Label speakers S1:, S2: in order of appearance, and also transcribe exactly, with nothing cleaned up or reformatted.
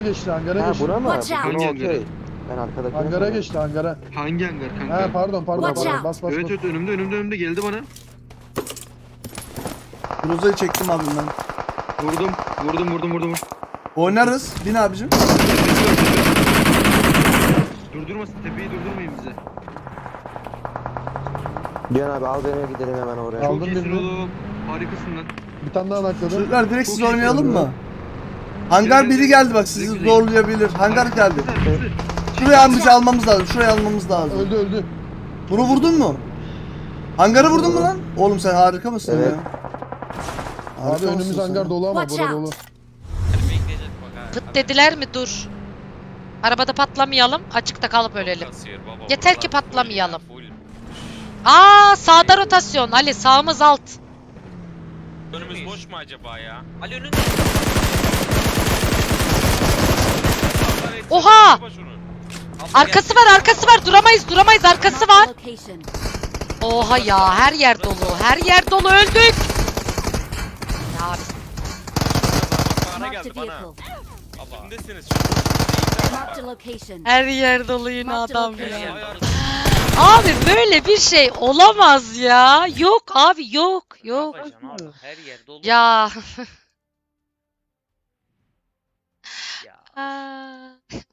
S1: geçti hangara
S2: Ha
S1: geçti.
S2: buna mı?
S3: Watch out.
S2: Buna
S4: Hangi
S2: okey.
S4: hangara?
S2: Ben arkadakine
S1: Hangara
S2: sanırım.
S1: geçti hangara.
S4: Hangi hangar kanka?
S1: Ha pardon pardon
S3: Watch
S1: pardon
S3: out.
S1: bas bas
S4: Evet
S1: bas.
S4: evet önümde önümde önümde geldi bana.
S5: Groza'yı çektim abim ben.
S4: Vurdum vurdum vurdum vurdum.
S5: Oynarız. Bin abicim.
S4: Durdurmasın tepeyi durdurmayın bize.
S2: Cihan abi al beni gidelim hemen oraya.
S1: Aldım
S4: Çok iyisin
S1: birini.
S4: oğlum. Harikasın lan.
S1: Bir tane daha nakladım.
S5: Çocuklar direkt
S4: Çok
S5: siz
S4: iyi
S5: oynayalım
S1: oynuyor.
S5: mı? Hangar
S4: Gel,
S5: biri
S4: gel,
S5: geldi
S4: gel.
S5: bak sizi
S4: Güzel.
S5: zorlayabilir. Hangar geldi.
S4: Güzel, güzel.
S5: Şuraya amca almamız lazım. Şuraya almamız lazım.
S1: Öldü öldü.
S5: Bunu vurdun mu? Hangarı vurdun mu lan? Oğlum sen harika mısın
S2: Evet.
S5: ya?
S1: Abi
S5: Harika
S1: önümüz
S5: mısın
S1: hangar
S5: sen?
S1: dolu ama
S3: Watch
S1: bura
S3: out.
S1: dolu.
S6: Pıt dediler mi dur. Arabada patlamayalım, açıkta kalıp ölelim. Yeter ki patlamayalım. Aa sağda rotasyon Ali, sağımız alt.
S7: Önümüz boş mu acaba ya? Ali önünde.
S6: Oha! Arkası var, arkası var. Duramayız, duramayız. Arkası var.
S3: Location.
S6: Oha ya, her yer dolu. Her yer dolu, öldük. Ya abi,
S7: Bana
S3: Marked a
S7: geldi bana.
S3: vehicle.
S7: Kimdesiniz?
S3: Marked a location.
S6: her yer dolu yine
S3: Marked a
S6: adam
S3: location.
S6: ya.
S7: Ayar.
S6: Abi böyle bir şey olamaz ya. Yok abi, yok, yok.
S7: Her yer dolu.
S6: Ya.
S7: Ya.
S6: Aa.